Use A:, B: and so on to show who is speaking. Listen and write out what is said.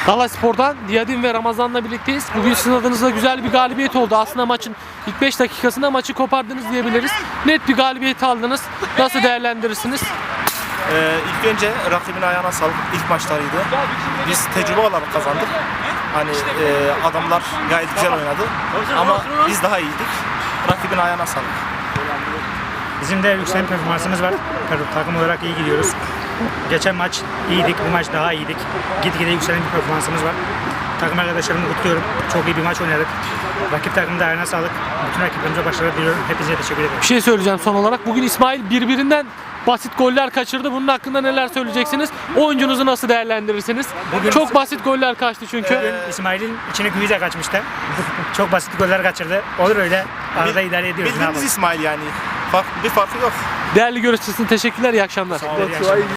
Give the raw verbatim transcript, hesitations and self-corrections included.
A: Galaspor'dan Diyadim ve Ramazan'la birlikteyiz. Bugün sizin adınıza güzel bir galibiyet oldu. Aslında maçın ilk beş dakikasında maçı kopardınız diyebiliriz. Net bir galibiyet aldınız. Nasıl değerlendirirsiniz?
B: Ee, ilk önce rakibin ayağına sağlık. İlk maçlarıydı. Biz tecrübe olarak kazandık. Hani e, adamlar gayet güzel oynadı. Ama biz daha iyiydik. Rakibin ayağına sağlık.
C: Bizim de yükselen performansımız var. Takım olarak iyi gidiyoruz. Geçen maç iyiydik, bu maç daha iyiydik. Gitgide yükselen bir performansımız var. Takım arkadaşlarımı kutluyorum. Çok iyi bir maç oynadık. Rakip takımın da ayağına sağlık. Bütün rakiplerimize başarılar diliyorum. Hepinize teşekkür ederim.
A: Bir şey söyleyeceğim son olarak. Bugün İsmail birbirinden basit goller kaçırdı. Bunun hakkında neler söyleyeceksiniz? Oyuncunuzu nasıl değerlendirirsiniz?
C: Bugün-
A: Çok basit goller kaçtı çünkü.
C: Bugün İsmail'in içine güvize kaçmıştı. Çok basit goller kaçırdı. Olur öyle. Arada idare ediyoruz. Ne
B: Bildiğimiz
C: yapalım?
B: İsmail yani. Fark, bir farkı yok.
A: Değerli görüşçüsün teşekkürler. İyi akşamlar.
C: İyi akşamlar.